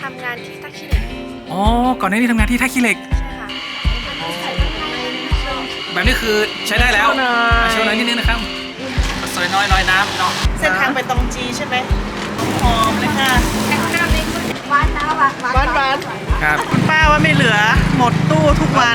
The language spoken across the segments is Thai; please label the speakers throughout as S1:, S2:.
S1: ำงานที่ท่าขี้เหล็ก
S2: อ๋อก่อนหน้านี้ทำงานที่ท่าขี้เหล็ก
S1: ใช่ค่ะ
S2: แบบนี้คือใช้ได้แล้วโชว์หน่อยนิดนึงนะครับสวยน้อยลอยน้ำเนาะ
S3: เส้นทางไปตองจีใช่ไหมหอมเลยค่ะ
S1: หวานนะหวานหวาน
S3: หวาน
S2: ครับ
S3: คุณป้าว่าไม่เหลือหมดตู้ทุกวัน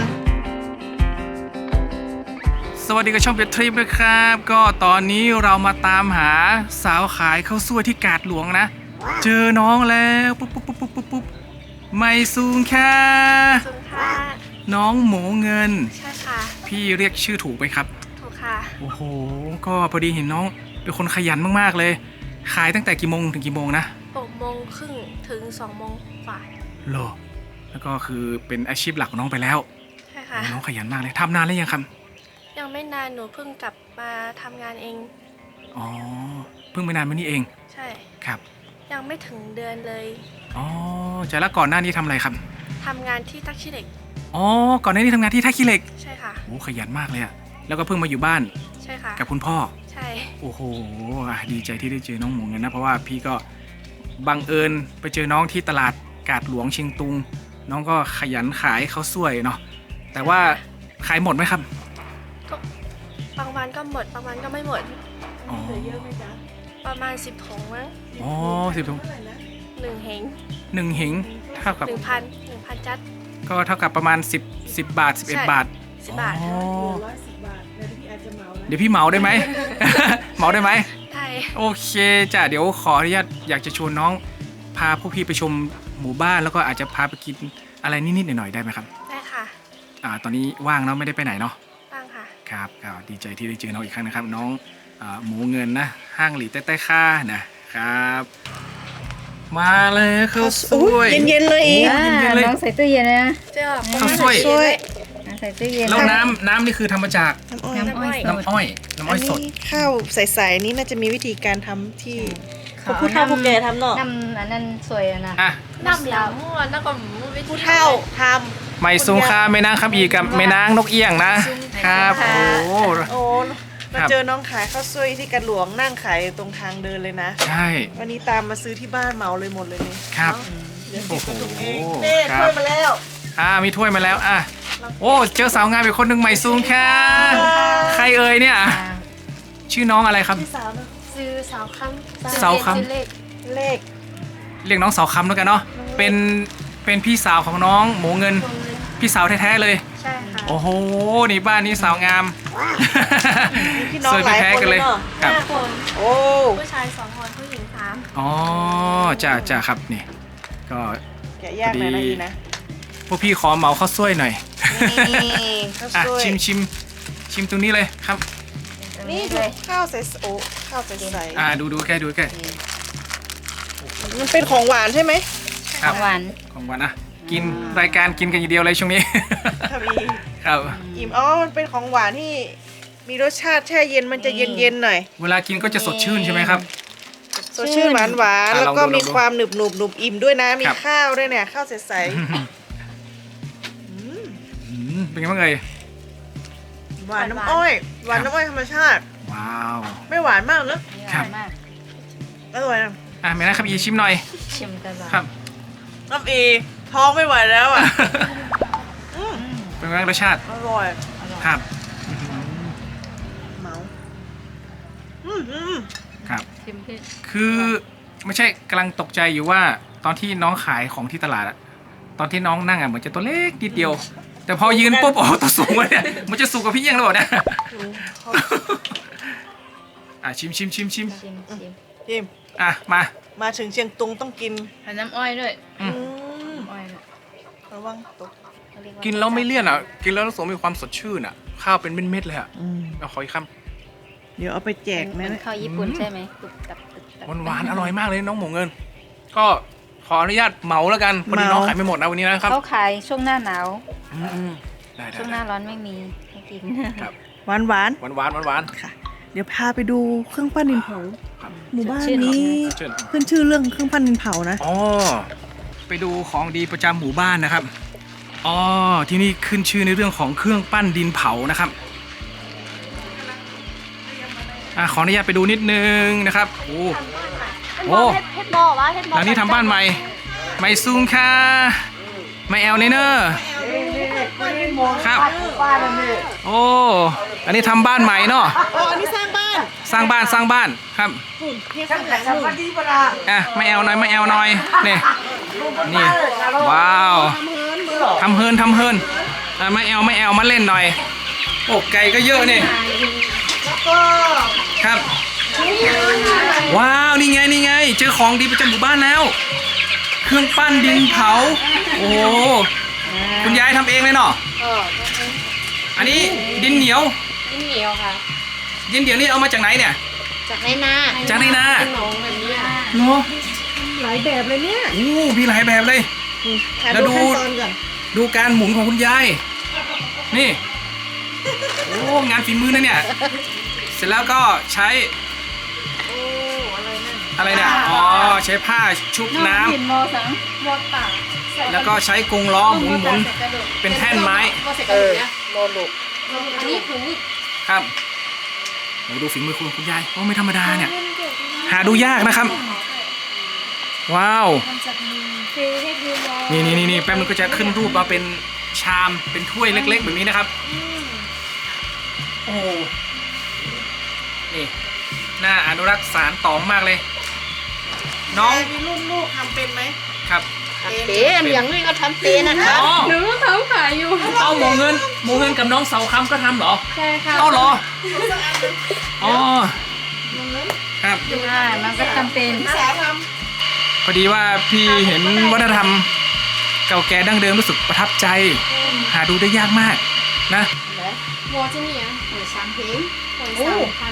S2: สวัสดีกับช่องเป็ดทริปนะครับ ก็ตอนนี้เรามาตามหาสาวขายข้าวสวยที่กาดหลวงนะ เจอน้องแล้วปุ๊บไม่ซูงค่ะ
S1: สุนค่ะ
S2: น้องหมูเงิน
S1: ใช่ค่ะ
S2: พี่เรียกชื่อถูกไหมครับ
S1: ถูกค่ะ
S2: โอ้โหก็พอดีเห็นน้องเป็นคนขยันมากๆเลย ขายตั้งแต่กี่โมงถึงกี่โมงนะ
S1: 6:30ถึง2:00กว่า
S2: โลแล้วก็คือเป็นอาชีพหลักของน้องไปแล้ว
S1: ใช่ค่ะ
S2: น้องขยันมากเลยทำนานแล้วยังครับ
S1: ยังไม่นานหนูเพิ่งกลับมาทำงานเอง
S2: อ๋อเพิ่งไม่นานมานี้เอง
S1: ใช่
S2: ครับ
S1: ยังไม่ถึงเดือนเลย
S2: อ๋อจะแล้วก่อนหน้านี้ทำอะไรครับ
S1: ทำงานที่ท่าขี้เหล็ก
S2: อ๋อก่อนหน้านี้ทำงานที่ท่าขี้เหล็ก
S1: ใช่ค่ะ
S2: โอ้ขยันมากเลยอะแล้วก็เพิ่งมาอยู่บ้าน
S1: ใช่ค่ะ
S2: กับคุณพ่อ
S1: ใช่
S2: โอ้โหดีใจที่ได้เจอน้องหมูเงินนะเพราะว่าพี่ก็บังเอิญไปเจอน้องที่ตลาดกาดหลวงเชียงตุง น้องก็ขยันขายข้าวสวยเนาะแต่ว่าขายหมดไหมครับ
S1: บางวันก็หมดบางวันก็ไม่หมด
S2: อ๋อ
S3: เหลือเยอะไหมจ๊ะ
S1: ประมาณ10 ถุงมั้ง
S2: อ๋อ10 ถุง
S3: เท่าไหร่นะ
S1: 1 เหง
S2: 1 เหงเท่ากับ
S1: 1,000จัด
S2: ก็เท่ากับประมาณ10บาท
S1: ใช่
S2: 11 บาท
S1: 10 บาท
S2: อ๋อ
S3: เหลือ110 บาทเดี๋ยวพี่อาจจะเหมานะ
S2: เดี๋ยวพี่เหมาได้ไหม เหมาได้ไหม
S1: ใช่
S2: โอเคจ้ะเดี๋ยวขออนุญาตอยากจะชวนน้องพาพวกพี่ไปชมหมู่บ้านแล้วก็อาจจะพาไปกินอะไรนิดๆหน่อยๆได้ไหมครับ
S1: ได้ค่ะ
S2: ตอนนี้ว่างเนาะไม่ได้ไปไหนเนาะ
S1: บ้างค่ะ
S2: ครับก็ดีใจที่ได้เจอน้องอีกครั้งนะครับน้องหมูเงินนะห้างหลีใต้ค่านะครับ มาเลยข้าวสวย
S3: เย็นๆเลยอีก
S2: เย็นๆเลย
S4: น้องใส่ตู้เย็นนะ
S1: เจ้า
S2: ข้าวสวย
S3: ช่วย
S4: ใส่ตู้เย็น
S2: แล้วน้ำนี่คือทำมาจาก
S3: น้ำอ้อย
S4: น้ำอ้อย
S2: น้ำอ้อยสด
S3: นนี้ข้าวใสๆนี่น่าจะมีวิธีการทำที่
S4: ขอ
S3: ผู้เฒ่าผู้แก่ทำเนาะ
S4: น้ำอันนั้นสวยอะนะ
S2: อ่ะ
S1: น้ำเหลามั่วน้ำกับหมูวิ
S3: ผู้เฒ่าท
S2: ไม่ซุงค่าแม่นางครับอีกับแม่นางนกเอี้ยงนะครับโอ้โห
S3: ำโอ้มา
S2: ครับ
S3: เจอน้องขายข้าวซวยที่กระหลวงนั่งขายอยู่ตรงทางเดินเลยนะ
S2: ใช่
S3: วันนี้ตามมาซื้อที่บ้านเหมาเลยหมดเลยนี่
S2: ครับ
S3: เดี๋ยว
S2: โอ้โห
S3: เองเน่
S2: ครั
S3: ช่ว
S2: บ
S3: ยมาแล้ว
S2: มีถ้วยมาแล้วโอ้เจอสาวงามอีกคนหนึ่งใหม่ซุงค่ะใครเอ่ยเนี่ยชื่อน้องอะไรครับ
S3: พี่สาวเนอะ
S1: ซื้อสาวคำ
S2: สาวคำ
S1: ซื้อเลข
S3: เลข
S2: เรียกน้องสาวคำแล้วกันเนาะเป็นพี่สาวของน้องหมูเงิน
S1: ตรงนี้
S2: พี่สาวแท้ๆเลย
S1: ใช่ค่ะ
S2: โอ้โหนี่บ้านนี้สาวงาม
S3: มีพี่น้อง
S2: สวย
S3: หลาย
S2: แท้
S3: คน
S2: กัน
S3: เล
S2: เลย ย
S3: เนาะ
S2: ครับ
S1: 5 คน
S3: โอ้
S1: ผู้ชาย2 คนผู้หญิง
S2: อ๋อจ้าครับนี่ก็
S3: แกะยากหน่อยนะอีนะ
S2: พวกพี่ขอเหมาข้าวสวยหน่อย
S3: นี่ข้าว
S2: อ่ะ
S3: ซวย
S2: ชิมตรงนี้เลยครับ
S3: นี่
S4: เล
S3: คือย ข้าวใสโอ้ข้าวใส
S2: ดูแก
S3: ๆมันเป็นของหวานใช่ไหม
S2: ครับ
S4: หวาน
S2: ของหวานกินรายการกินกันอย่างเดียวเลยช่วงนี้
S3: ครับอี
S2: ครับ
S3: อิ่มอ๋อมันเป็นของหวานที่มีรสชาติแช่เย็นมันจะเย็นๆหน่อย
S2: เวลากินก็จะสดชื่นใช่ไหมครับ
S3: สดชื่นหวานหวาน
S2: อ่ะ
S3: แล้วก็
S2: ลองดู
S3: มีความหนึบหนุบหนุบอิ่มด้วยนะมี
S2: ครับ
S3: ข้าวด้วยเนี่ยข้าวใส
S2: เป็นไงบ้างเอ่ย
S3: ๆหวานน้ำอ้อยหวานน้ำอ้อยธรรมชาติ
S2: ว้าว
S3: ไม่หวานมากเนอะ
S4: นี่
S2: ค
S4: อ
S2: รับ
S4: ร่อยมาก
S3: อร่อยนะ
S2: ไม่นะครับอีชิมหน่อย
S4: ชิมกันบ้าง
S2: ครับ
S3: น้ำอีท้องไม่ไหวแล้วอ่ะ
S2: เป็นไงบ้างรสชาติ
S3: อร่อย
S2: ครับ
S3: เมา
S2: ครับ
S4: ชิมพี่
S2: คือไม่ใช่กำลังตกใจอยู่ว่าตอนที่น้องขายของที่ตลาดอะตอนที่น้องนั่งเหมือนจะตัวเล็กนิดเดียว แต่พอยืนปุ๊บโอ้ตัวสูงเลยเนี่ยมันจะสูงกว่าพี่เอี้ยงแล้วเหรอเนี่ย ชิม
S4: ชิม
S3: จิม มาถึงเชียงตุงต้องกิน
S4: ใส่น้ำอ้อยด้วย
S2: อืม
S4: น้ำอ้อยด้วย
S3: ระวังตก
S4: เขาเรียา
S2: กินแล้วไม่เลี่ยนกินแล้วรู้สึกมีความสดชื่นข้าวเป็นเม็ดๆเลยเอาขออีกค
S3: เดี๋ยวเอาไปแจก
S4: เหมื
S3: นะ
S4: อนข้าวญี่ปุ่นใช่ไหมกรุบกรับกรุบกรับ
S2: ำหวานๆอร่อยมากเลยน้องหมูเงิน ก็ขออนุญาตเหมาแล้วกันวันนี้น้องขายไม่หมดนะวันนี้นะครับ
S4: เขาขายช่วงหน้าหนาว
S2: ได้
S4: ช่วงหน้าร้อนไม่มีให้กิน
S2: ครับ
S3: หวานหวาน
S2: หวาน
S3: ค่ะ เดี๋ยวพาไปดูเครื่องปั้นดินเผา
S2: ครับ
S3: หมู่บ้าน
S4: ชื่อ
S3: นี้
S2: เชิญ
S3: ขึ้นชื่อเรื่องเครื่องปั้นดินเผานะ
S2: อ๋อไปดูของดีประจำหมู่บ้านนะครับอ๋อที่นี่ขึ้นชื่อในเรื่องของเครื่องปั้นดินเผานะครับขออนุญาตไปดูนิดนึงนะครับโอ้
S1: เฮ็ดหม้อวะเฮ็ดหม้อ
S2: หลังนี้ทำบ้านใหม่ไม่ซุงค่ะไม่แอลเนเนอร์ครับ
S3: บ้านนั่นนี่
S2: โอ้อันนี้ทำบ้านใหม่เนาะ
S3: อ๋ออันนี้สร้างบ้าน
S2: สร้างบ้านครับ
S3: เนี่ยข้างหลังนู่น
S2: อ่ะไม่แอลหน่อยไม่แอลหน่อยนี่นี่ว้าวทำเฮินอ่ะไม่แอลมาเล่นหน่อยโอ้ไก่ก็เยอะนี่
S3: แล้วก็
S2: ครับว้าวนี่ไงเจอของดีประจำหมู่บ้านแล้ว เครื่องปั้นดินเผาโอ้โหคุณยายทำเองเลยเนาะอันนี้ดินเหนียว
S1: ดินเหนียวค่ะ
S2: ดินเหนียวนี่เอามาจากไหนเนี่ย
S1: จากในนา
S2: จากในนา
S1: เป็นหนองแบบนี้อะ
S2: เนาะ
S3: หลายแบบเลยเนี่ย
S2: โอ้มีหลายแบบเลย
S3: ถ่าย
S2: แล้วดู
S3: ดูขั้นตอนก่อน
S2: ดูการหมุนของคุณยายนี่โอ้งานฝีมือนะเนี่ยเสร็จแล้วก็ใช้
S3: โอ้อะไรนั่น
S2: อะไรเนี่ยอ๋อใช้ผ้าชุบน้ำ
S4: หินโมสังโมตา
S2: แล้วก็ใช้กรงล้อหมุนเป็นแท่นไม้
S1: ก็เสร็จกันอยู่เนี่ย
S3: โลลุก
S1: อันนี้ถุงนี่
S2: ครับโอ้ดูฝีมือคุณยายโอ้ไม่ธรรมดาเนี่ย หาดูยากนะครับ ว้าว
S1: ซื้อให้ดูมอง
S2: นี่แป๊บนึงก็จะขึ้นรูปมาเป็นชามเป็นถ้วยเล็ก ๆ แบบนี้นะครับ โอ้นี่น่าอนุรักษ์สารต่อมากเลย น้อง
S3: แม่มีลูกทำเป็นไหม
S2: ครับ
S1: เป็นอย่างนี้ก็ทำเป็นนะคะ
S2: อ๋อ
S4: หนูก็เขาขายอยู่
S2: เอาหมูเงินกับน้องเสาคำก็ทำเหรอ
S4: ใช่ค่ะ
S2: เอาเหรออ๋อครับ
S4: ใช่มันก็จำเป็น
S3: สาท
S2: พอดีว่าพี่เห็นวัฒนธรรมเก่าแก่ดั้งเดิมรู้สึกประทับใจ หาดูได้ยากมากนะ
S1: โมที่นี่อ่ะหวยสามเพลงหวย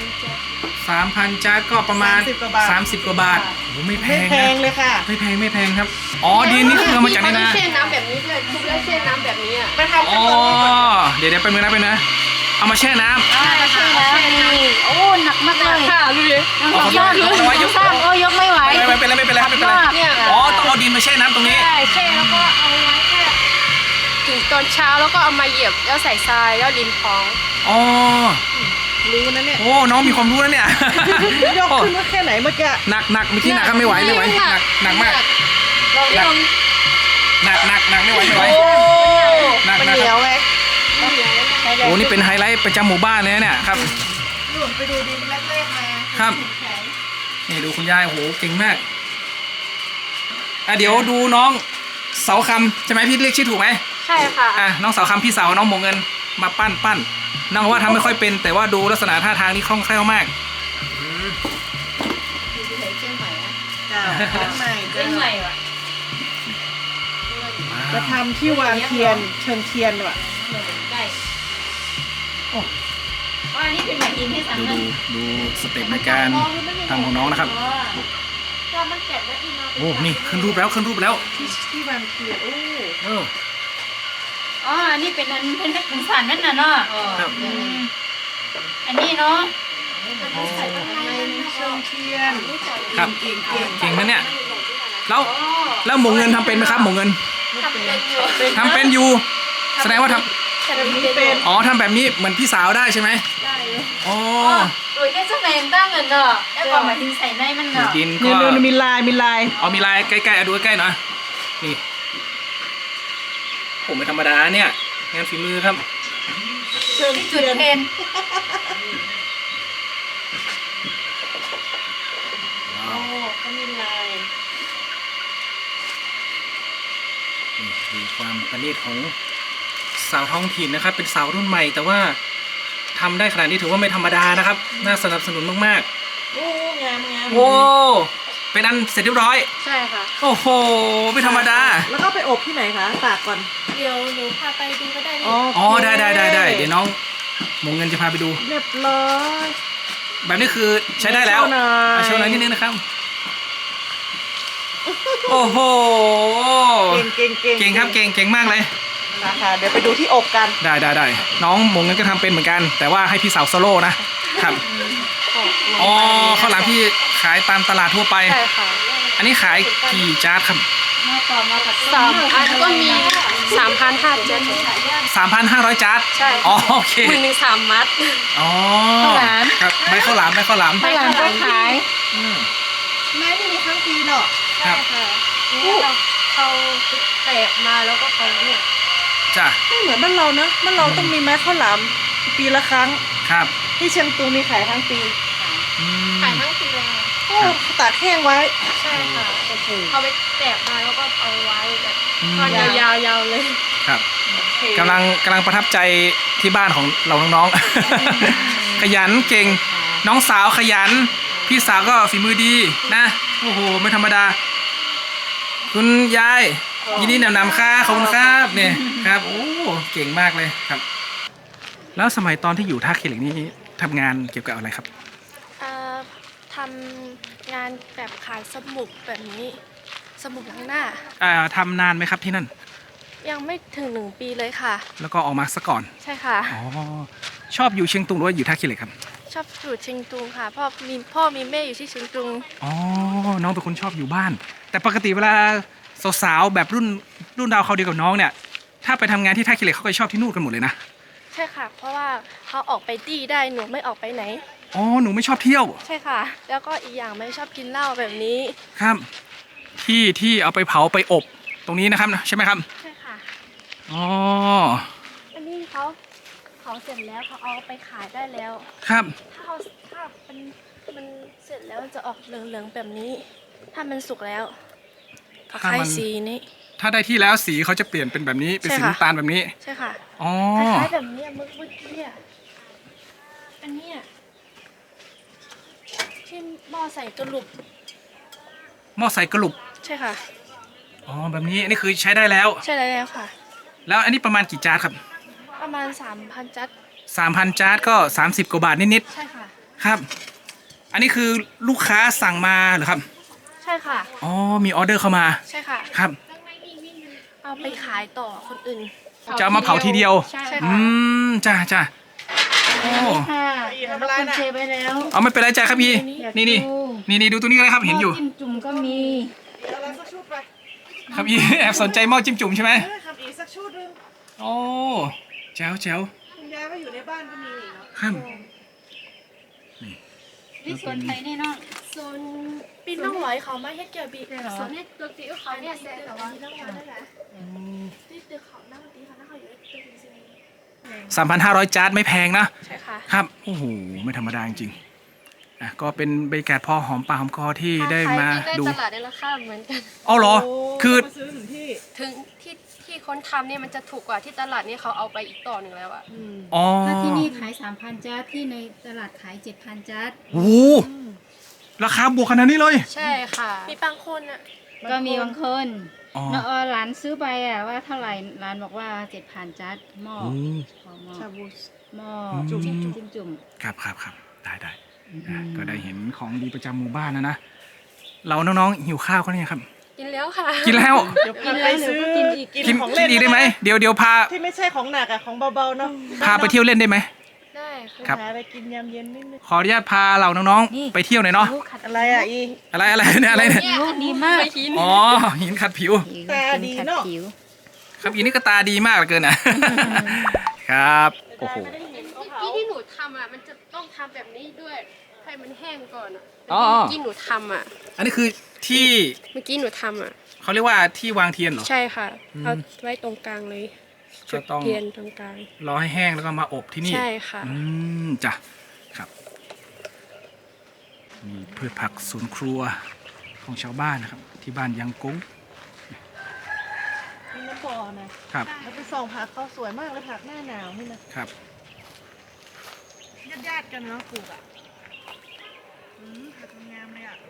S1: 3,000
S2: 3,000 จานก็ประมาณ
S3: 30 กว่าบาท
S2: 30 กว่าบาทโอ้ไม่แพ
S3: ไม่
S2: ง
S3: แพง
S2: นะ
S3: เลยค่ะ
S2: ไม่แพงครับอ๋อดินนี่คือเอามาจากใน
S1: พี่
S2: นา
S1: เขาได้เช่นน้ำแบบนี้ด้วยทุบแล้วเช่นน้ำแบบนี้อ่ะ
S3: ไปทำ
S2: อ๋
S3: ขั้
S2: อน
S3: ตอนนี้ก่อน
S2: เดี๋ยวไปมือนะเอามาแช่น้ำ
S4: ใช่แล้วนี่โอ้หนักมากเลย
S1: ค่ะดูดิ
S2: เอาขอโทษยก
S4: สร้างโอ้ยกไม่ไหว
S2: ไม่เป็นไรครับไม่เป็นไร
S1: เนี่ย
S2: อ๋อต้องเอาดินมาแช่น้ำตรงนี้
S4: ใช่แช่แล้วก็เอาไว้แค่
S1: ถึงตอนเช้าแล้วก็เอามาเหยียบแล้วใส่ทรายแล้วดินพอง
S2: อ๋อ
S3: รู้นะเนี่ย
S2: โอ้น้องมีความรู้แล้วเนี่ย
S3: ยกขึ้นมาแค่ไหนเมื่อกี้
S2: หนักเมื่อกี้หนักครับไม่ไหวหนักมาก
S1: ลองลอง
S2: หนักไม่ไหว
S3: โอ้
S2: หนัก
S3: มัน
S2: นะ
S3: เหนี
S2: ค
S3: ย
S2: รั
S3: ว
S2: บ
S3: ไง
S2: โอ้นี่เป็นไฮไลท์ประจำหมู่บ้านเลยนะเนี่ยครับ
S3: หนุนไปดูดินแรกๆมา
S2: ครับ
S3: แข็ง
S2: นี่ดูคุณยายโอ้โหเก่งมากอ่ะเดี๋ยวดูน้องเสาคำใช่ไหมพี่เรียกชื่อถูกไหม
S1: ใช่ค่ะ
S2: อ่ะน้องเสาคำพี่สาวน้องหมงเงินมาปั้นน้องว่าทำไม่ค่อยเป็น แต่ว่าดูลักษณะท่าทางนี่คล่องแคล่วมาก
S3: จ้าข้างใน
S4: เป็นใหม่ว่ะ
S3: จะทำที่วางเทียนเชิงเทียนว่ะ
S4: ได้โอ้อันนี้เป็นใหม่อินให้สั่ง
S2: ดูสเต็ปในการทำของน้องนะครับ
S1: ก็มันแกะแล้วที่มา
S2: โอ้นี่ขึ้นรูปแล้ว
S3: ที่วางเทียนโอ้
S2: เออ
S4: อ๋ออันนี้เป็นอันเป็นสารนั่นน่ะเนาะ
S2: ครับ
S4: อันนี้เนาะ
S1: ใส่ข้างใน
S3: เชิงเทียน
S2: ครับ
S3: เก่ง
S2: เก่งนะเนี่ยแล้วหมงเงินทำเป็นไหมครับหมงเงิน
S1: ทำเป็นอยู่
S2: ทำเป็นอยู่ แสดงว่าท
S1: แต่
S3: แบบ
S1: ไม่
S3: นี้
S1: เป็น
S3: เป็น
S2: ำอ๋อทำแบบนี้เหมือนพี่สาวได้ใช่ไหม
S1: ได้อยู่
S2: อ๋อ
S4: ตัวแค่เสน่ห์ตั้งเงินเนาะแล้วก็หมายถึงใส่ในมันเนาะ
S2: ดิน
S3: นี่
S2: ก็
S3: นี่มีลาย
S2: เอามีลายใกล้ๆเอาดูใกล้ๆหน่อยนี่ผมไม่ธรรมดาเนี่ยงานฝีมือครับ
S3: เชิง
S4: ที่
S3: เที
S4: จุด
S3: ยน
S4: เทน
S3: โอ้เขามีลาย
S2: นี่คือความประณีตของสาวท้องถิ่นนะครับ เป็นสาวรุ่นใหม่ แต่ว่าทำได้ขนาดนี้ถือว่าไม่ธรรมดานะครับ น่าสนับสนุนมาก
S3: โอ้งาม
S2: ๆโอ้เป็นอันเสร็จเรียบร้อย
S1: ใช่ค่ะ
S2: โอ้โหไม่ธรรมดา
S3: แล้วก็ไปอบที่ไหนคะตากก่อน
S1: เดี๋ยวหนูพาไปดูก็ได้นี่
S2: อ๋อได้เดี๋ยวน้องหมงเงินจะพาไปดู
S3: เรียบร้อย
S2: แบบนี้คือใช้ได้แล้ว
S3: โชว์หน่อย
S2: โชว์หน่อยนิดนึงนะครับ โอ้โห
S3: เก่ง
S2: ครับเก่งมากเลย
S3: นะคะเดี๋ยวไปดูที่อบกัน
S2: ได้น้องหมงเงินก็ทำเป็นเหมือนกัน แต่ว่าให้พี่สาวโซโล่นะครับอ๋อข้าวหลามพี่ขายตามตลาดทั่วไป
S1: ใช่ค่ะ
S2: อันนี้ขายกี่จานครับ
S4: มาต่อมากับ
S1: 3 อันก็มี 3,500
S2: 3,500 จาน
S1: ใช่
S2: อ๋อโอเค
S1: มือหนึ่ง3 มัด
S2: อ๋อครับใบข้าวหลาม
S4: ข้าวหลามก็ขาย
S2: อืม
S3: แม่นี่มีทั้งปีเนาะ
S2: ครับ
S1: ค่ะนี่เราเขาแตกมาแล้วก็เขาเนี่ย
S2: จ้ะ
S3: ไม่เหมือนบ้านเราเนอะบ้านเราต้องมีไม้ข้าวหลามปีละครั้ง
S2: ครับ
S3: ที่เชียงตุงมีขายทั้งปี
S2: อืม
S1: ขายทั้งปีเลยค่ะ
S3: โอ้ตากแห้งไว้
S1: ใช่ค่ะ
S3: โอ้โห
S1: เขาไปแตกมาแล้วก็เอาไว้แบบ
S2: อืม
S1: ทอดยาวๆเลย
S2: ครับ
S3: โอเค
S2: กำลังประทับใจที่บ้านของเราน้องๆ ขยันเก่งน้องสาวขยัน พี่สาวก็ฝีมือดีนะโอ้โหไม่ธรรมดา คุณยายยินดีนำค่ะขอบคุณครับเนี่ยครับโอ้เก่งมากเลยครับ แล้วสมัยตอนที่อยู่ท่าขี้เหล็กนี่ทำงานเกี่ยวกับอะไรครับ
S5: ทำงานแบบขายสมุดแบบนี้ สมุดล้างหน้า
S2: ทำนานไหมครับที่นั่น
S5: ยังไม่ถึง1 ปีเลยค่ะ
S2: แล้วก็ออกมาซะก่อน
S5: ใช่ค่ะ
S2: อ๋อชอบอยู่เชียงตุงหรือว่าอยู่ท่าขี้เหล็กครับ
S5: ชอบอยู่เชียงตุงค่ะพ่อมีแม่อยู่ที่เชียงตุง
S2: อ๋อน้องเป็นคนชอบอยู่บ้าน แต่ปกติเวลาสาวๆแบบรุ่นดาวเขาวเดียวกับน้องเนี่ยถ้าไปทำงานที่ท่าขี้เหล็กเขาก็ชอบที่นู่นกันหมดเลยนะ
S5: ใช่ค่ะ เพราะว่าเขาออกไปดีได้หนูไม่ออกไปไหน
S2: อ๋อหนูไม่ชอบเที่ยว
S5: ใช่ค่ะ แล้วก็อีกอย่างไม่ชอบกินเหล้าแบบนี้
S2: ครับที่เอาไปเผาไปอบตรงนี้นะครับใช่ไหมครับ
S5: ใช่ค่ะ
S2: อ๋อ
S5: อันนี้เขาเสร็จแล้วเขาเอาไปขายได้แล้ว
S2: ครับ
S5: ถ้ามันเสร็จแล้วมันจะออกเหลืองๆแบบนี้ ถ้ามันสุกแล้วตะไคร้สีนี้
S2: ถ้าได้ที่แล้วสีเขาจะเปลี่ยนเป็นแบบนี้เป็นสี
S5: ใช่ค่ะ
S2: น้ำตาลแบบนี้
S5: ใช่ค่ะ
S2: อ๋อ
S5: คล้ายๆแบบนี้เมื่อกี้อ่ะอันเนี้ยที่หม้อใส่กระหลุบ
S2: หม้อใส่กระหลุบ
S5: ใช่ค่ะ
S2: อ๋อแบบนี้อันนี้คือใช้ได้แล้ว
S5: ใช่แล้วค่ะ
S2: แล้วอันนี้ประมาณกี่จานครับ
S5: ประมาณ 3,000 จัด
S2: 3,000 จานก็30 กว่าบาทนิด
S5: ใช่ค่ะ
S2: ๆครับ อันนี้คือลูกค้าสั่งมาเหรอครับ
S5: ใช่ค่ะ
S2: อ๋อมีออเดอร์เข้ามา
S5: ใช่ค่ะ
S2: ครับ
S5: เอาไปขายต่อคนอื่น
S2: จะเอามาเผาทีเดียว
S1: ใช่
S5: ใช่
S2: อื
S5: ค่ะ
S2: มจ้าโอ้
S1: ค่ะ
S3: อีก
S1: แล้ว
S3: ทำไร
S1: คุณ
S3: น่ะ
S1: เชไปแล้ว
S2: เอาไม่เป็นไรจ้าครับพี่นี่ดูตัวนี้ก็ได้ครับเห็นอยู่
S1: จิ้มจุ่มก็มี
S3: เอาอะไรสักชุดไป
S2: ครับพี่ แอบสนใจหม้อจิ้มจุ่มใช่ไหม
S3: ครับอีกสักชุดนึง
S2: โอ้แจ๋ว
S3: คุณยายว่าอยู่ในบ้านก็มีนี่เนาะ
S2: ครับ
S1: นี่ส่วนไทยแน่นอน
S5: ส่วนปีน้องร้อยเขาไม่ให้เกี่ยวบี
S1: ใช่เหรอ
S5: ส่วนนี้ตัวตีเขาเนี่ยเสร็จแต่ว่าปีน้องร้อยได้แหละที่ตึกเขาหน้าตีเขาหน้าเขาอยู่ตึกจริง
S2: 3,500 จานไม่แพงนะ
S5: ๆใช่ค่ะ
S2: ครับโอ้โหไม่ธรรมดาจริงๆก็เป็นบรรยากาศพอหอมปากหอมคอที่ได้มา
S5: ได้
S2: ดู
S5: ตลาดได้ราคาเหมือนกัน
S2: อ๋อเหรอ คือ
S3: มาซื้อถึงที่
S5: ถึงที่คนทำเนี่ยมันจะถูกกว่าที่ตลาดเนี่ยเขาเอาไปอีกต่อหนึ่งแล้วอะ
S2: อ๋อ
S1: ถ้าที่นี่ขาย 3,000 จานที่ในตลาดขาย 7,000 จาน
S2: โอ้โหราคาบวกขนาดนี้เลย
S5: ใช่ค่ะ มีบางคนอะ
S1: ก็มีบางคน
S2: อ๋อ
S1: เนาะร้านซื้อไปอะว่าเท่าไหร่ร้านบอกว่า 7,000 จานหม้อ
S2: โอ้
S1: ขอหม้อ
S3: ชาบู
S1: หม้อ
S2: จุ่ม
S1: จุ่ม
S2: ครับได้ก็ได้เห็นของดีประจำหมู่บ้านนะเราน้องๆหิวข้าวเขาเนี่ยครับ
S5: กินแล้วค่ะ
S2: กินแล้ว
S3: เดี๋ยว
S1: กิ
S3: พาน ไป
S1: แล้วหนู
S3: ซื้อ
S1: ก็กินอีก
S3: กินของเล่น
S2: อีกได้ไหมเดี๋ยวพา
S3: ที่ไม่ใช่ของหนักอะของเบาๆเนาะ
S2: พาไปเที่ยวเล่นได้ไหม
S5: ได้ค่ะ
S2: ครับ
S3: หาอะไรกินยามเย็นนิดนึง
S2: ขออนุญาตพาเราน้องๆไปเที่ยวหน่อยเนาะ
S3: อะไรอะอี
S2: อะไรเนี่ยอะไรเนี่ย
S1: ผิวดีมาก
S2: อ๋อหินขัดผิว
S3: ตาดีเนอะ
S1: ผิว
S2: ครับอีนี่ก็ตาดีมากเหลือเกินอ่ะ ครับโอ้โห
S5: เมื่อกี้ที่หนูทำอะมันจะต้องทำแบบนี้ด้วยให้มันแห้งก่อนอะ
S2: อ๋อ
S5: เมื่อกี้หนูทำอะ
S2: อันนี้คือที่
S5: เมื่อกี้หนูทำอะ
S2: เขาเรียกว่าที่วางเทียนเหรอ
S5: ใช่ค่ะ
S2: อืม
S5: เอาไว้ตรงกลางเลย
S2: ก็
S5: จุด
S2: ต้อง
S5: เทียนตรงกลาง
S2: รอให้แห้งแล้วก็มาอบที่นี่
S5: ใช่ค่ะ
S2: จ้ะครับมีพืชผักสวนครัวของชาวบ้านนะครับ ที่บ้านยังกุ้ง
S3: มีน้ำบ่อนะครับ แล้วไปส่องผักเขาสวยมากเลยผักหน้าหนาวนี่นะครับ ญาติๆกันเนาะปลูกอะผักงามเลยอะ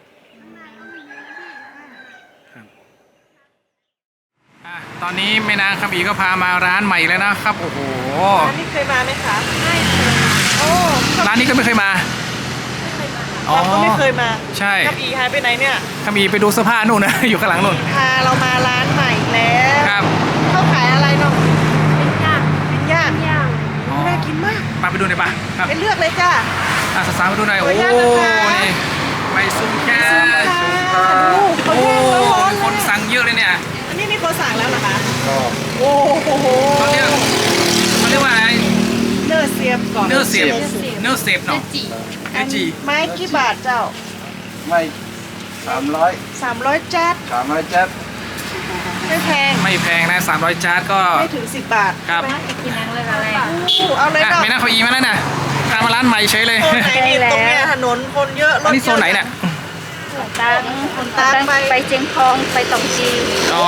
S2: ตอนนี้แม่นางคำอีก็พามาร้านใหม่แล้วนะครับ โอ้โห
S3: ร้านนี้เคยมาไหมคะไม่เคยโอ้
S2: ร้านนี้ก็ไม่เคยมา
S3: เราก็ไม่เคยมา
S2: ใช่
S3: กับอีหายไปไหนเนี่ย
S2: คำอีไปดูเสื้อผ้านู่นนะ อยู่ข้างหลังนู่น
S3: พาเรามาร้านใหม่แล้ว
S2: ครับ
S3: เขาขายอะไรเนาะ
S5: เป็นย่าง
S3: เป็นย่าง
S5: ย่าง
S2: อ๋อ
S3: น่ากินมาก
S2: ไปดูหน่อยป่ะครับ
S3: ไปเลือกเลยจ้า
S2: สาวๆมาดูหน่อย
S3: ขอ
S2: โอ้
S3: อนุญาตนะคะ
S2: นี่ใบซุ่มแค่
S3: เขา
S2: โอ้
S3: ย่างร้อน
S2: มี
S3: ๆ
S2: คนสั่งเยอะเลยเนี่ย
S3: อันนี้มีคนสั่งแล้วเหรอคะโอ้โห
S2: เขาเรียกว่าอะไร
S3: เนื้อเสียบก่อน
S2: เนื้อเสียบเนื้อเสียบเนาะ
S5: จี
S2: เนื้อจี
S3: ไม้กี่บาทเจ้า
S6: ไม่300
S3: 300จัด
S6: 300จัด
S3: ไม่แพง
S2: ไม่แพงนะ300จาร์ดก็
S3: ไม่ถึง10 บาท
S2: ครับ
S4: ไปกินนังเลยอะไร
S3: เอาเลย
S2: อ่ะ
S3: เนาะ
S2: ไม่น่าเขาอีมาแล้วนะตามมาร้านใหม่เฉยเลย
S3: โซนไหนดีตรงเนี้ยถนนคนเยอะร
S2: อัน
S3: ถ
S2: นี้โซนไหนเนี่ย
S4: ตังไปเจียงทองไปตองจี
S2: อ๋อ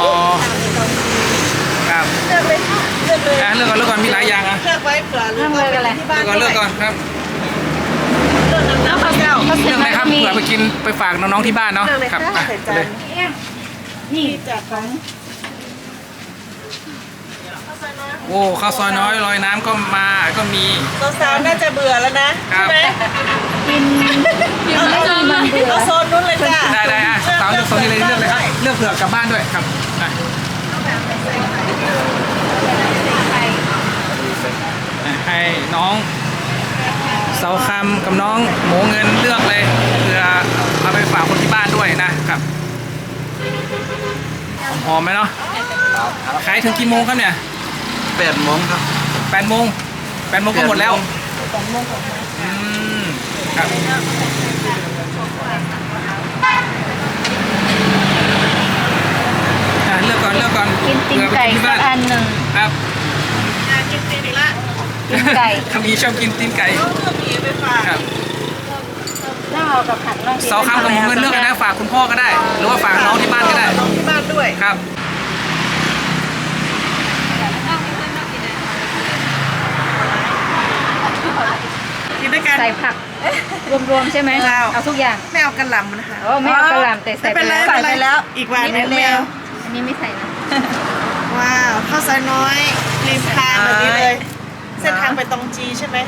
S2: ครับ
S3: เลือกเลยเลือกเลย
S2: อ่ะเลือกก่อนมีหลายอย่างอ่ะ
S3: เลือกไว้เผื่อหรือว่าเป็นที่บ้าน
S2: เลือกก่อนครับ
S3: เลือกน้ำข้าวเจ้า
S2: เลือกเลยครับเผื่อไปกินไปฝากน้องๆที่บ้านเนาะ
S3: เลือกเลย
S2: ครั
S3: ค่ะ
S2: อ่ะ
S3: ใส่
S2: ไป
S3: จา
S2: เล
S3: น
S2: ย
S4: นี่
S3: ที่จากของ
S2: โอ้ข้าวซอยน้อยลอยน้ำก็มาก็มี
S3: สาวๆน่าจะเบื่อแล้วนะครับ ใช่ไหม
S4: กิน
S3: เอา
S4: ไม่มีมันเบื่อ
S3: เอาโซนนู้นเลยจ้ะ
S2: ได้อ่ะสาวเลือกโซนนี้เลยเลือกเลยครับเลือกเผื่อกลับบ้านด้วยครับอ่ะให้น้องเสาคำกับน้องหมูเงินเลือกเลยเผื่อเอาไปฝากคนที่บ้านด้วยนะครับหอมไหมเนาะขายถึงกี่โมงครับเนี่ย
S6: 8 โมงครับ
S2: 8 โมงก็หมดแล้วอืมครับอ่ะเลือกก่อน
S4: กินตีนไก่สักอันหนึ่ง
S2: ครับ
S3: กินตีนอีกละ
S4: ตีนไก่
S2: คำนี้ชอบกินตีนไก่
S3: เอาเลือกหมีไปฝาก
S2: ครับ
S4: น่าเอากับผัดน่า
S2: เสาคำกับหมูเงินเลือกนะฝากคุณพ่อก็ได้ หรือว่าฝากน้องที่บ้านก็ได้
S3: น้องที่บ้านด้วย
S2: ครับ
S3: กินด้วยกัน
S4: ใส่ผักรวมๆใช่ไหมเอาทุกอย่าง
S3: ไม่เอากระหล่ำนะคะ
S4: โอ้ไม่เอากระหล่ำแต่ใส่
S3: ไม่เป็นไร
S4: ใส่
S3: ไม่เป็นไรแล้วอีกวันนึงไม่เอา
S4: อันนี้ไม่ใส่นะ
S3: ว้าวข้าวซอยน้อยริมทางแบบนี้เลย เส้นทางไปตองจีใช่ไหม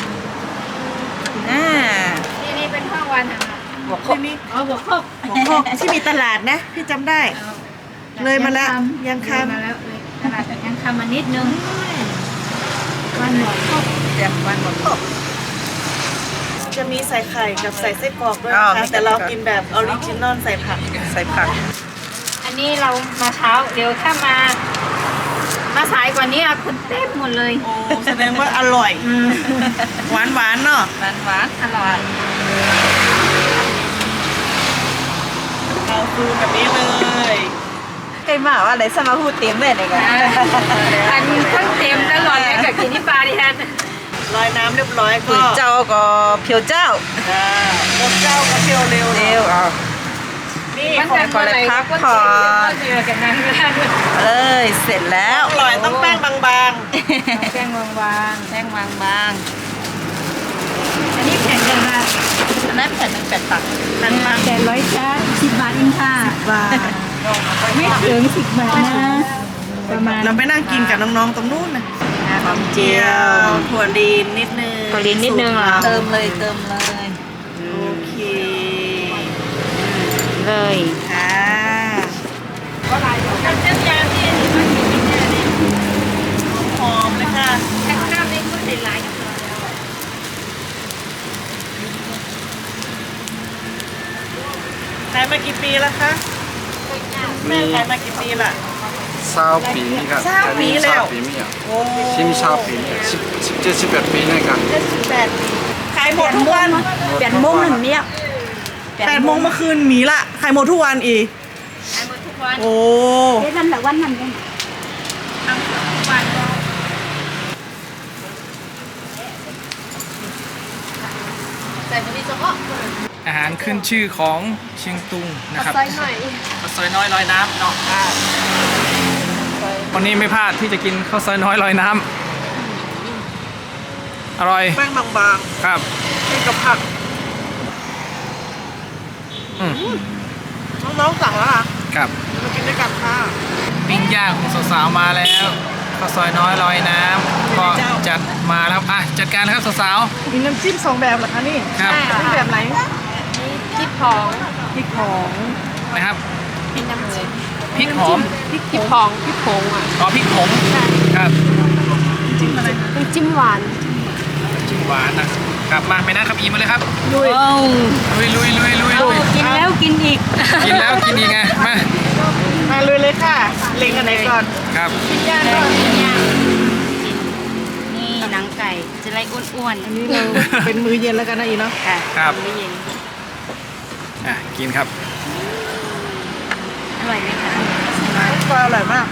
S4: นี่เป็นห้องวันอาหาร
S3: ที่นี่
S4: อ๋อบอกครบ
S3: หัวโคกที่มีตลาดนะพี่จำได้ เลยมาแล้วยังค
S4: มาแล้วเลยตลาดยังคำมานิดนึงวันหมดครบ
S3: ำแบบวันหัวโคกจะมีใส่ไข่กับใส่ไส้กรอกด้วยนะคะแต่เรากินแบบออริจินอลใส่ผัก
S4: อันนี้เรามาเช้าเดี๋ยวถ้ามาสายกว่านี้คนเต็มหมดเลย
S3: โอ้แสดงว่าอร่อย หวานหวานๆเนาะ
S4: หวานอร่อย
S3: เอาฟูแบบนี้เลย
S1: ใครมาว่าอะไรสมาพูดเต็มเลยเนี่ยกัน
S4: อันทั้งเต็มตลอดเลยกับกินที่ปลาดิฉัน
S3: ลอยน้ำเรียบร้อยก็
S1: ก๋วยเจ้าก็เพียวเจ้า
S3: รถเจ้าก็เที่ยวเร็ว
S1: เร็วเอา
S3: นี่
S4: มัน
S3: ของ
S4: จะก่อนเลยพักผ่อนเจอกันนั่งกัน
S1: เลยเสร็จแล้ว
S3: อร่อยต้องแป้งบาง
S4: แป้งวาง
S1: แป้งบาง
S4: อันนี้แผ่นยังไง
S1: ๆอันนั้นแผ่นหนึ่ง8 ตัก
S3: ๆนั่นมา
S4: แต่100ชาร์จ10 บาทเองค่ะ
S3: ว่า
S4: ไม่ถึง10 บาทนะประมาณ
S3: เราไปนั่งกินกับน้องๆตรงนู้นนะหอมเจียวถั่วลีนนิดนึง
S4: ถั่วลีนนิดนึงเหรอ
S1: เติมเลย
S3: โอเค
S4: เลย
S3: ค่ะหอมเลยค่ะ
S4: แค่ข้าวไม่พูดในไลน์
S3: ขายมากี่ปีแล้วคะแม่ขายมากี่ปีละ
S6: 20 ปีนี่ครับ
S3: 20 ปีแล้ว
S6: 20 ปีนี่อ่ะ
S3: โอ้
S6: 20 ปีนี่17 ปีนี่ครับ
S3: 78ปีขายหมดทุกวัน
S1: 8 โมงถึงเนี่ย
S3: 8 โมงเมื่อคืนหมีละขายหมดทุกวันอีก
S4: ขายหมดทุกวัน
S3: โอ้
S4: นั่นแหละวันนั้นเลยทำทุกวันใส่บะหมี่เฉพาะ
S2: อาหารขึ้นชื่อของเชียงตุงนะครับ
S5: ซอยหน่อย
S2: ข้าวซอยน้อยลอยน้ำเนาะวันนี้ไม่พลาดที่จะกินข้าวซอยน้อยลอยน้ำอร่อย
S3: แป้งบาง
S2: ครับ
S3: ๆกินกับผัก
S2: อืม
S3: น้องๆสั่งแล้วค่ะ
S2: ครับ
S3: มากินด้วยกันค่ะ
S2: ปิ้งย่างของสาวๆมาแล้วข้าวซอยน้อยลอยน้ำก็จัดมาแล้วอ่ะจัดการนะครับสาว
S3: มีน้ำจิ้ม2 แบบเหรอคะนี่
S2: ๆครับ
S3: นี่แบบไหน
S4: พริกผอง
S3: พริกของ
S2: นะครับ
S4: เป็นน้ำจิ้ม
S2: พริกหอม
S4: พริกผองพริกผงอ่ะ
S2: อ๋อพริกผงครับ
S5: เป็นจิ้มหวาน
S2: จิ้มหวานนะครับมาไม่นะครับอีมาเลยครับ
S1: ลุย
S2: ลุย
S4: กินแล้วกินอีก
S2: กินแล้วกินอีกไงมา
S3: มาเลยเลยค่ะ เล็งอันไหนก่อน
S2: ครับ
S3: ปิ้งย่างก่อน
S4: นี่หนังไก่จะไรอ้วน
S3: อันนี้เราเป็นมื้อเย็นแล้วกันนะอีเนาะ
S4: ๆค่ะ
S2: ครับ
S4: ไม่เย็น
S2: อ่ะกินครับ
S4: อร่อยไหมคะ
S3: ซอยอร่อยมาก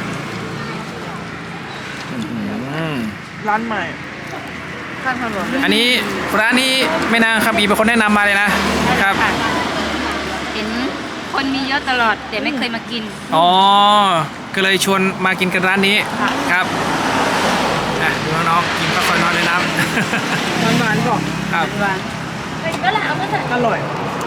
S2: อืม
S3: ร้านใหม่ข้างถนนเลย
S2: อันนี้ร้านนี้แม่นางคำอีเป็นคนแนะนำมาเลยนะครับ
S4: เห็นคนมีเยอะตลอดแต่ไม่เคยมากิน
S2: อ๋อก็เลยชวนมากินกันร้านนี้ครับอ่ะดูน้องๆกินข้าวซอยน้อยเลยนะ
S3: หวานๆก่อน
S2: ครับ
S3: อร่อย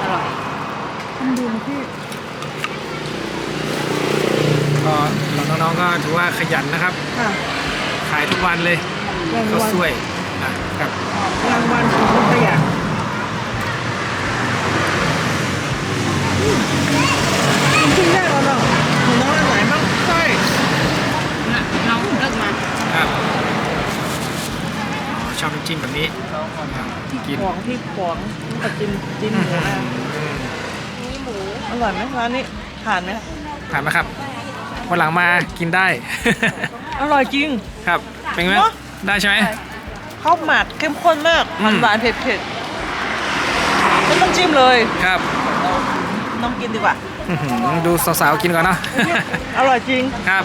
S2: ก็น้องๆก็ถือว่าขยันนะครับ
S3: ค่ะ
S2: ขายทุกวันเลย
S3: ราง
S2: ข้าว
S3: วัล
S2: สวยนะครับ
S3: รางวัลของคนขยันกินได้แล้วเนาะหนูน้องอันไหนบ้างใช่
S4: น้องเลิกมา
S2: ครับอ๋อชอบน้ำจิ้มแบบนี้กิน
S3: หวงที่หวงกับจิ้มหมูนะนี่หมูอร่อยไหมร้านนี้ทานไหม
S2: ถามนะครับวันหลังมากินได้
S3: อร่อยจริง
S2: ครับเป็นไง
S3: เนอะ
S2: ได้ใช่ไหม
S3: ข้าวหมักเข้มข้นมาก
S2: อืม
S3: หวานๆเผ็ดๆไม่ต้องจิ้มเลย
S2: ครับ
S3: น้องกินดีกว่า
S2: อื้อหือดูสาวๆกินก่อนเนาะ
S3: อร่อยจริง
S2: ครับ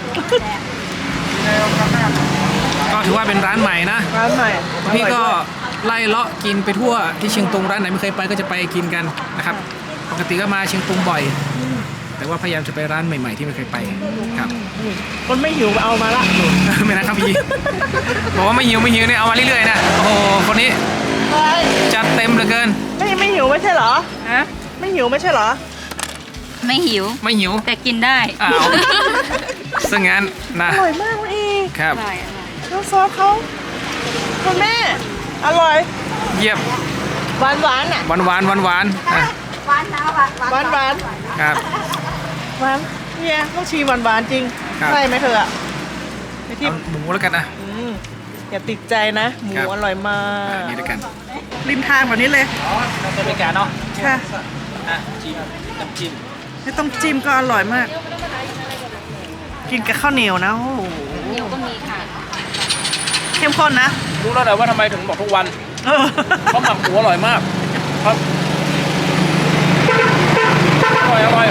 S2: ก็ถือว่าเป็นร้านใหม่นะ
S3: ร้านใหม่
S2: พี่ก็
S3: อร่อยด้วย
S2: ไล่เลาะกินไปทั่วที่เชียงตุงร้านไหนไม่เคยไปก็จะไปกินกันนะครับ ปกติก็มาเชียงตุงบ่อย แต่ว่าพยายามจะไปร้านใหม่ๆที่ไม่เคยไปครับ
S3: คนไม่หิวเอามาละ
S2: ไม่นะครับพี่บอกว่าไม่หิวเนี่ยเอามาเรื่อยๆนะโอ้โหคนนี้จัดเต็มเหลือเกิน
S3: ไม่หิวไม่ใช่เหรอ
S4: ฮะ
S3: ไม่หิวไม่ใช่เหรอ
S4: ไม่หิว
S2: ไม่หิว
S4: แต่กินได้
S2: อ้าวซึ่งงั้นนะ
S3: อร่อยมากเลย
S2: ครับ
S4: อร่อยอร่อย
S3: น้ำซอสเขาคุณแม่ อร่อย
S2: เยี่ยม
S3: หวานหวานๆอ่ะ
S2: หวานอ่ะ
S3: หวานหวาน
S2: ครับ
S3: หวานเนี่ยต้องชีหวานหวานๆจริง
S2: ครับ
S3: ใช่ไหมเธออ่ะไอที่
S2: เอาหมูแล้วกันนะ
S3: อย่าติดใจนะ หมู
S2: ครับ
S3: อร่อยมา
S2: นี่ด้วยกัน
S3: ริมทางแบบนี้เลย
S2: เราจะไปกันเนาะ
S3: ค่ะ
S2: จิ้มน้ำจิ้ม
S3: ไม่ต้องจิ้มก็อร่อยมาก กินกับข้าวเหนียวนะโอ้โห
S4: เดี๋ยวก็มีค่ะ
S3: เข้มข้นนะ
S2: รู้แล้วแหละว่าทำไมถึงบอกทุกวัน
S3: เออ
S2: เพราะหมักหมูอร่อยมากครับอร่อย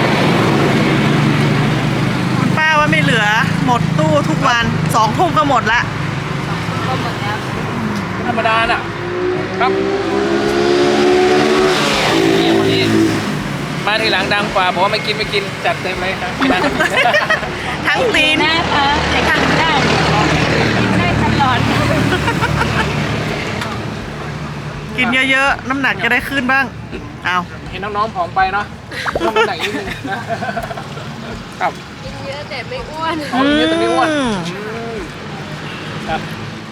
S3: คุณป้าว่าไม่เหลือ หมดตู้ทุกวัน2 ทุ่มก็หมดละ
S4: ก็หมดแล้ว
S2: ธรรมดาน่ะครับนี่คนนี้มาทีหลังดังกว่าบอกว่าไม่กินจัดเต็มเลยครับไม่ได้
S3: ทั้งตีน
S4: นะคะแต่กินได้กินได้ตลอด
S3: กินเยอะๆ น้ำหนักจะได้ขึ้นบ้าง เอา
S2: เห็นน้องๆผอมไปเนาะต้องน้ำหนักนิดนึงนะครับ
S1: กินเยอะแต่ไม่อ้วน
S2: ผอมเยอะแต่ไม่อ้วนครับ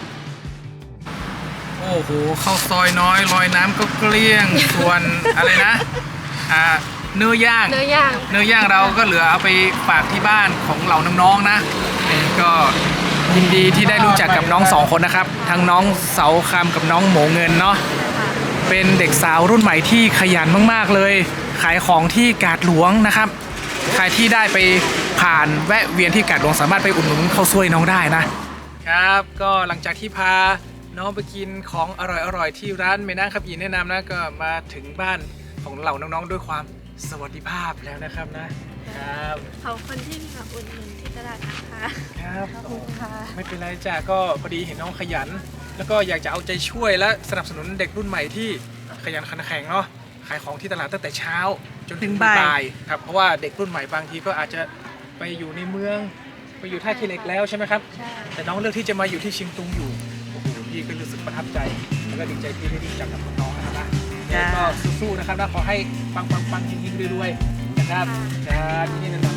S2: โอ้โหข้าวซอยน้อยลอยน้ำก็เกลี้ยงส่วนอะไรนะเนื้อย่าง
S1: เนื้อย่าง
S2: เนื้อย่างเราก็เหลือเอาไปฝากที่บ้านของเหล่าน้องๆนะก็ยินดีที่ได้รู้จักกับน้องสองคนนะครับทั้งน้องเสาคำกับน้องหมูเงินเนาะเป็นเด็กสาวรุ่นใหม่ที่ขยันมากๆเลย ขายของที่กาดหลวงนะครับใครที่ได้ไปผ่านแวะเวียนที่กาดหลวงสามารถไปอุดหนุนข้าวซวยน้องได้นะครับก็หลังจากที่พาน้องไปกินของอร่อยๆที่ร้านเมน่าครับยินแนะนำนะก็มาถึงบ้านของเหล่าน้องๆด้วยความสวัสดิภาพแล้วนะครับนะครับ
S5: ขอบคุณที่มาอุดหนุนที่ตลาดนะคะ
S2: ครับ
S5: ขอบคุณค่ะ
S2: ไม่เป็นไรจ้ะก็พอดีเห็นน้องขยัน แล้วก็อยากจะเอาใจช่วยและสนับสนุนเด็กรุ่นใหม่ที่ขยันขันแข็งเนาะขายของที่ตลาดตั้งแต่เช้าจนถึงบ่ายครับเพราะว่าเด็กรุ่นใหม่บางทีก็อาจจะไปอยู่ในเมืองไปอยู่ท่าขี้เหล็กแล้วใช่ไหมครับ
S5: ใช่
S2: แต่น้องเลือกที่จะมาอยู่ที่เชียงตุงอยู่โอ้โหพี่ก็รู้สึกประทับใจแล้วก็ดีใจที่ได้รู้จักกับน้องๆนะครับนะแล้วก็สู้ๆนะครับนะขอให้ปังๆๆเฮงๆรวยๆนะครับจ้าที่นี่นะ